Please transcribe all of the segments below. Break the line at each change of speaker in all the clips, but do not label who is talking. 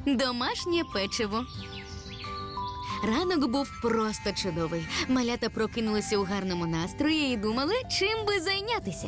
Домашнє печиво. Ранок був просто чудовий. Малята прокинулися у гарному настрої і думали, чим би зайнятися.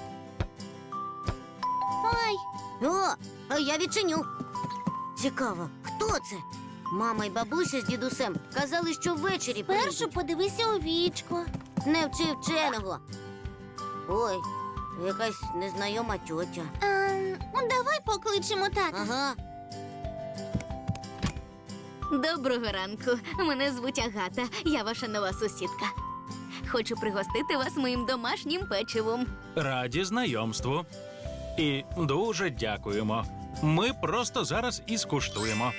Ой! О, а я відчиню. Цікаво, хто це? Мама й бабуся з дідусем казали, що ввечері
Першу подивися у вічко.
Не вчи вченого. Ой, якась незнайома тьотя.
Давай покличемо тата.
Ага.
Доброго ранку. Мене звуть Агата. Я ваша нова сусідка. Хочу пригостити вас моїм домашнім печивом.
Раді знайомству. І дуже дякуємо. Ми просто зараз і скуштуємо.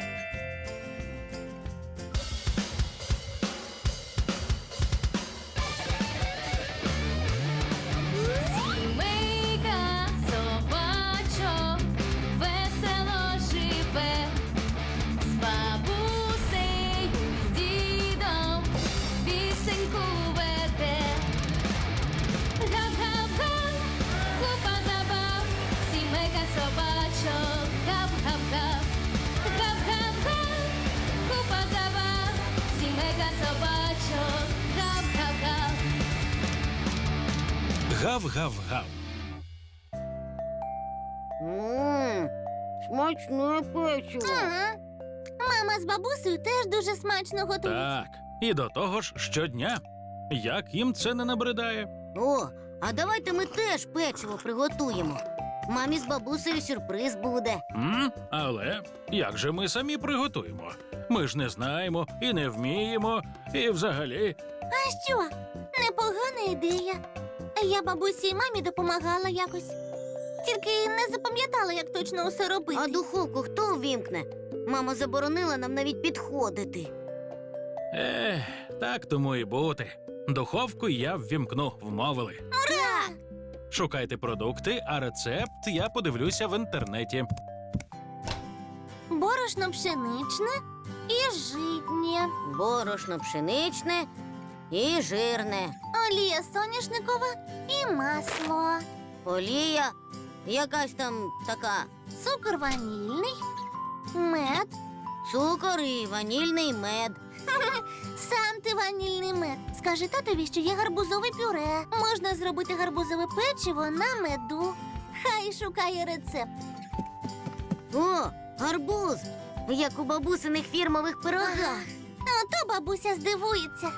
Сімейка собачок весело живе, з бабусею, з дідом пісеньку веде. Гав-гав-га, купа забав, сімейка собачок, гав-гав-гав. Гав-гав-га, купа забав, сімейка собачок, гав-гав-гав.
Гав-гав-гав.
Смачне печиво.
Ага. Мама з бабусею теж дуже смачно готують.
Так. І до того ж щодня. Як їм це не набридає?
О, а давайте ми теж печиво приготуємо. Мамі з бабусею сюрприз буде.
Але як же ми самі приготуємо? Ми ж не знаємо і не вміємо, і взагалі.
А що? Непогана ідея. Я бабусі і мамі допомагала якось. Тільки не запам'ятала, як точно усе робити.
А духовку хто увімкне? Мама заборонила нам навіть підходити.
Так тому і бути. Духовку я ввімкну, вмовили.
Ура!
Шукайте продукти, а рецепт я подивлюся в інтернеті.
Борошно пшеничне і житнє.
Борошно пшеничне і жирне.
Олія соняшникова і масло.
Олія якась там така.
Цукор ванільний, мед.
Цукор і ванільний мед.
Сам ти ванільний мед. Скажи татові, що є гарбузове пюре. Можна зробити гарбузове печиво на меду. Хай шукає рецепт.
О, гарбуз! Як у бабусиних фірмових пирогах.
Ото бабуся здивується.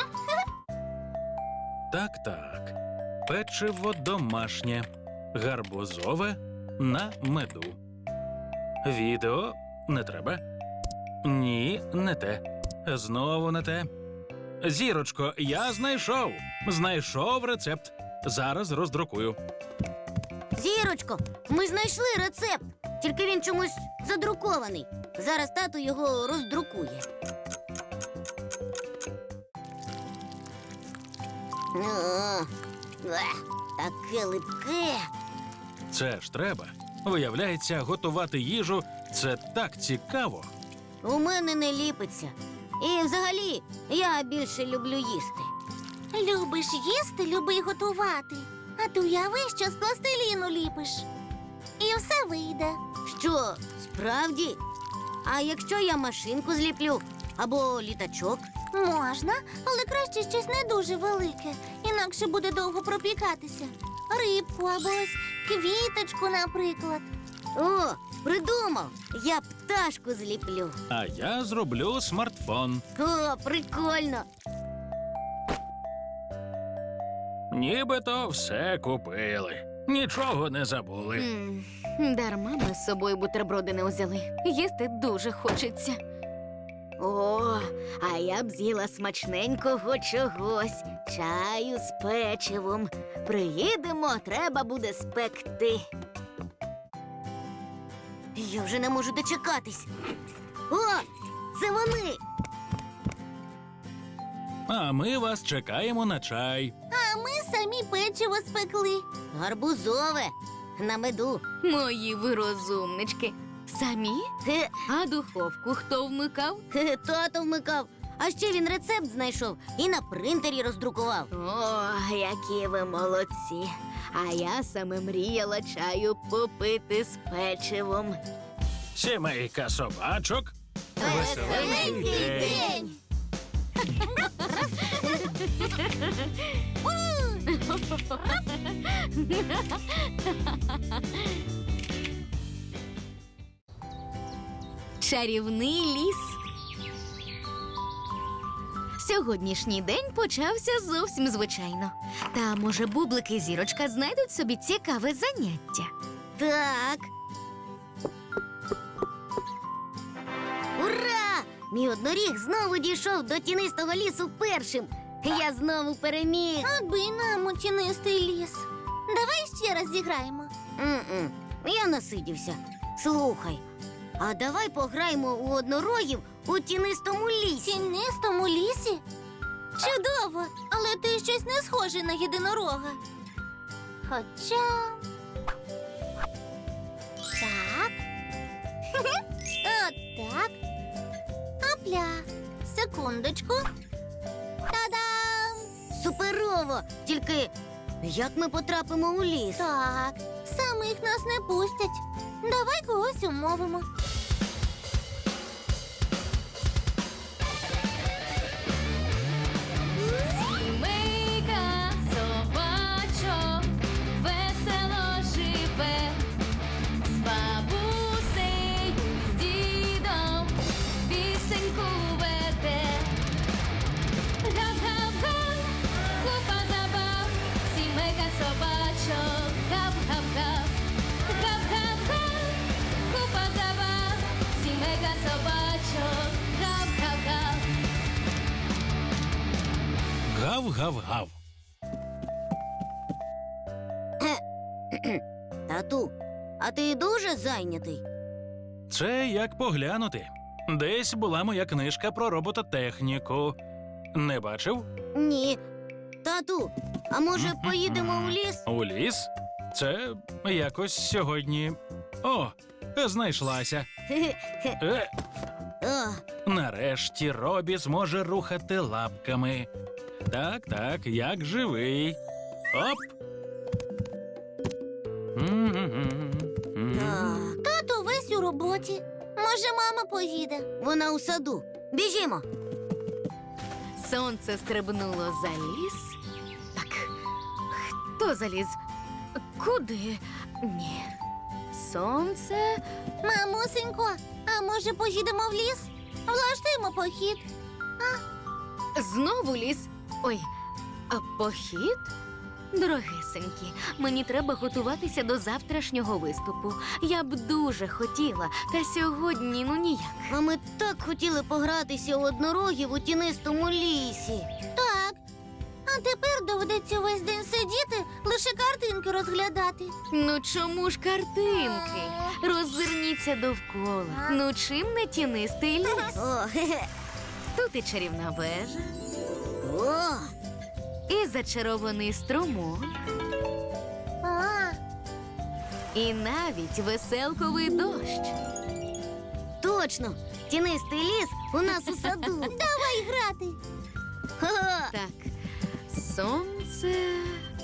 Так. Печиво домашнє. Гарбузове на меду. Відео не треба. Ні, не те. Знову не те. Зірочко, я знайшов. Знайшов рецепт. Зараз роздрукую.
Зірочко, ми знайшли рецепт. Тільки він чомусь задрукований. Зараз тато його роздрукує. Таке липке.
Це ж треба. Виявляється, готувати їжу – це так цікаво.
У мене не ліпиться. І взагалі, я більше люблю їсти.
Любиш їсти, люби й готувати. А ти уяви, що з пластиліну ліпиш. І все вийде.
Що, справді? А якщо я машинку зліплю або літачок?
Можна, але краще щось не дуже велике, інакше буде довго пропікатися. Рибку або ось квіточку, наприклад.
О, придумав! Я пташку зліплю.
А я зроблю смартфон.
О, прикольно!
Нібито все купили. Нічого не забули.
Дарма ми з собою бутерброди не взяли. Їсти дуже хочеться. О, а я б з'їла смачненького чогось. Чаю з печивом. Приїдемо, треба буде спекти.
Я вже не можу дочекатись. О, це вони!
А ми вас чекаємо на чай.
А ми самі печиво спекли.
Гарбузове на меду.
Мої ви розумнички. Самі?
Хе,
А духовку хто вмикав?
тато вмикав. А ще він рецепт знайшов і на принтері роздрукував.
О, які ви молодці. А я саме мріяла чаю попити з печивом.
Сімейка собачок. Веселенький день.
Чарівний ліс. Сьогоднішній день почався зовсім звичайно. Та, може, Бублик і Зірочка знайдуть собі цікаве заняття.
Так. Ура! Мій одноріг знову дійшов до тінистого лісу першим. Я знову переміг.
Аби нам у тінистий ліс. Давай ще раз зіграємо.
М-м, я насидівся. Слухай, а давай пограємо у однорогів у тінистому
В
лісі.
тінистому лісі? Чудово, але ти щось не схожий на єдинорога. Хоча. Так. Отак. Апля. Секундочку. Та-дам!
Суперово! Тільки як ми потрапимо у ліс?
Так, самих нас не пустять. Давай когось умовимо.
Сімейка собачок весело живе, з бабусею, з дідом пісеньку веде. Гав-гав-га, купа забав, сімейка собачок, гав-гав-гав. Гав-гав-га, купа забав, сімейка собачок, гав-гав-гав.
Гав-гав-гав.
Тату, а ти дуже зайнятий?
Це як поглянути. Десь була моя книжка про робототехніку. Не бачив?
Ні. Тату, а може поїдемо у ліс?
У ліс? Це якось сьогодні. О, знайшлася.
О,
Нарешті Робі зможе рухати лапками. Так, так, як живий. Оп.
так.
Тато весь у роботі. Може, мама поїде.
Вона у саду. Біжімо.
Сонце стрибнуло за ліс. Так, хто заліз? Куди? Ні. Сонце.
Мамусенько, а може поїдемо в ліс? Влаштуємо похід.
Знову ліс. Ой, а похід? Дорогесенькі, мені треба готуватися до завтрашнього виступу. Я б дуже хотіла, та сьогодні ну ніяк.
А ми так хотіли погратися у однорогів у тінистому лісі.
Так. А тепер доведеться весь день сидіти, лише картинки розглядати.
Ну чому ж картинки? Роззирніться довкола. Ну чим не тінистий ліс?
О, хе-хе.
Тут і чарівна вежа,
О,
і зачарований струмок,
А,
і навіть веселковий дощ.
точно. Тінистий ліс у нас у саду.
давай грати.
Ха-ха.
Так, сонце.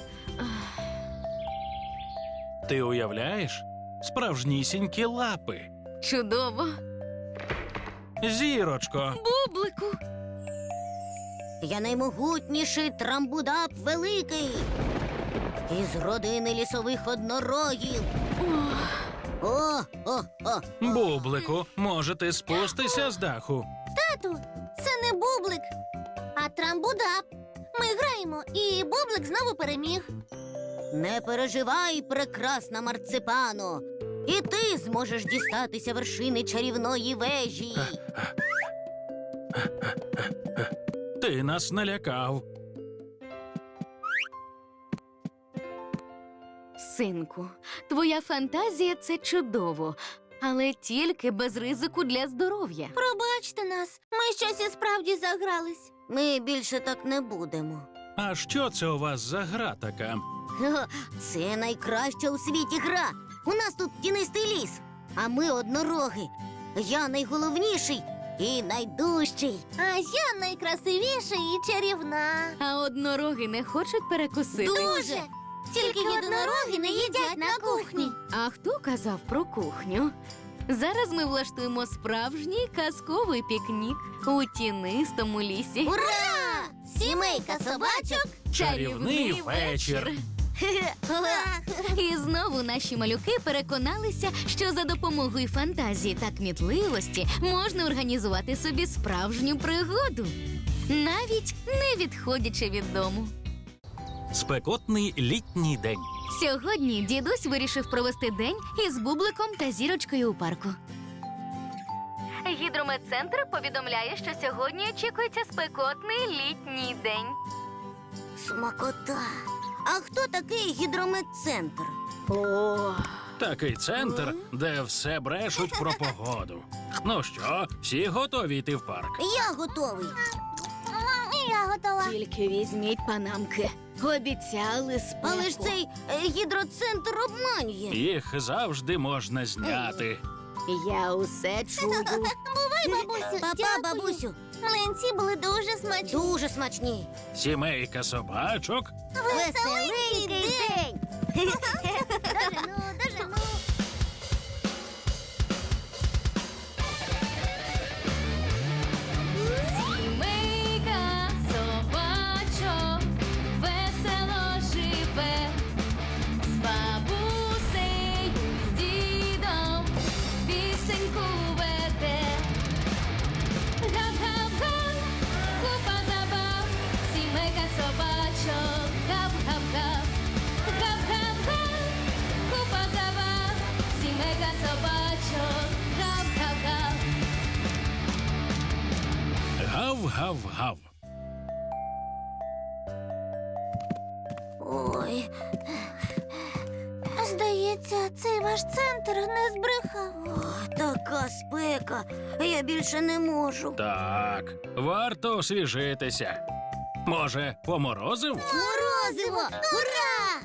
Ти уявляєш? Справжнісінькі лапи.
Чудово.
Зірочко.
Бублику.
Я наймогутніший трамбудап великий. Із родини лісових однорогів. О, о, о.
Бублику, може ти спустися з даху?
Тату, це не бублик, а трамбудап. Ми граємо, і бублик знову переміг.
Не переживай, прекрасна марципано. І ти зможеш дістатися вершини чарівної вежі.
Ти нас налякав.
Синку, твоя фантазія це чудово, але тільки без ризику для здоров'я.
Пробачте нас, ми щось і справді загрались.
Ми більше так не будемо.
А що це у вас за гра така?
Ха-ха, це найкраща у світі гра. У нас тут тінистий ліс, а ми однороги. Я найголовніший і найдужчий.
А я найкрасивіша і чарівна.
А однороги не хочуть перекусити.
Дуже! Тільки єдинороги не їдять на кухні.
А хто казав про кухню? Зараз ми влаштуємо справжній казковий пікнік у тінистому лісі.
Ура! Сімейка собачок!
Чарівний вечір.
І знову наші малюки переконалися, що за допомогою фантазії та кмітливості можна організувати собі справжню пригоду, навіть не відходячи від дому.
Спекотний літній день.
Сьогодні дідусь вирішив провести день із бубликом та зірочкою у парку. Гідрометцентр повідомляє, що сьогодні очікується спекотний літній день.
Смакота! А хто такий гідрометцентр?
О,
Такий центр, де все брешуть про погоду. Ну що, всі готові йти в парк?
Я готовий.
І я готова.
тільки візьміть панамки. Обіцяли спеку.
Але ж цей гідроцентр обманює.
Їх завжди можна зняти.
Я усе чую.
Бувай, бабусю.
Папа,
Дякую.
бабусю,
Млинці були дуже смачні.
дуже смачні.
Сімейка собачок
Веселенький день! Дожену, дожену.
Сімейка собачок весело живе, з бабусею, з дідом пісеньку веде. Гап-гап-га, купа забав, сімейка собачок, гап-гап-га. Гап-гап-га, купа забав, сімейка собачок, гап-гап-га.
гав-гав-гав.
Ой,
Здається, цей ваш центр не збрехав.
така спека. Я більше не можу.
Так, варто освіжитися. Може, поморозив?
Морозиво! Ура!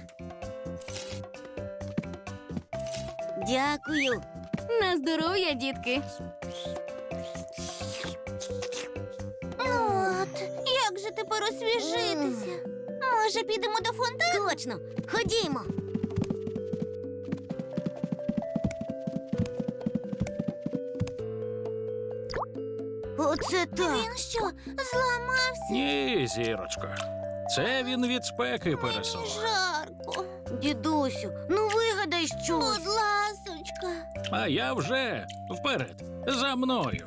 Дякую.
На здоров'я, дітки!
Ну от, як же тепер освіжитися? Може, підемо до фонтану?
Точно. Ходімо. Оце так.
Він що, зламався?
Ні, зірочко. Це він від спеки пересох.
Жарко.
Дідусю, ну вигадай щось.
Будь ласочка.
А я вже вперед, за мною.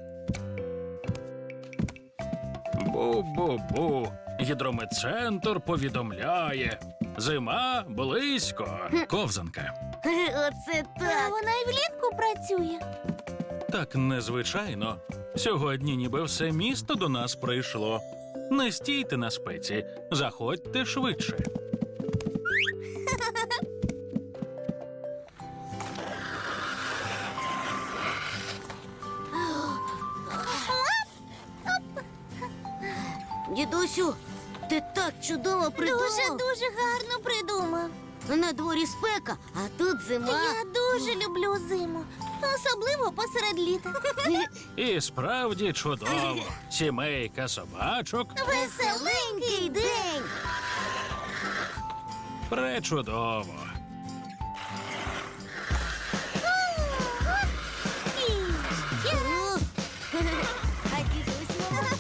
Бу-бу-бу. Гідрометцентр повідомляє. Зима близько. Ковзанка.
Оце
А
так.
вона й влітку працює.
Так незвичайно. Сьогодні ніби все місто до нас прийшло. Не стійте на спеці, заходьте швидше.
Дідусю, ти так чудово придумав.
Дуже гарно придумав.
На дворі спека, а тут зима.
Я дуже люблю зиму. Особливо посеред літа.
І справді чудово. Сімейка собачок
Веселенький день.
пречудово.
О, а дідусь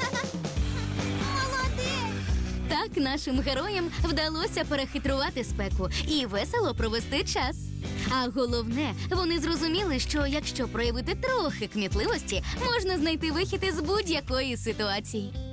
Молодець.
Так нашим героям вдалося перехитрувати спеку і весело провести час. А головне, вони зрозуміли, що якщо проявити трохи кмітливості, можна знайти вихід із будь-якої ситуації.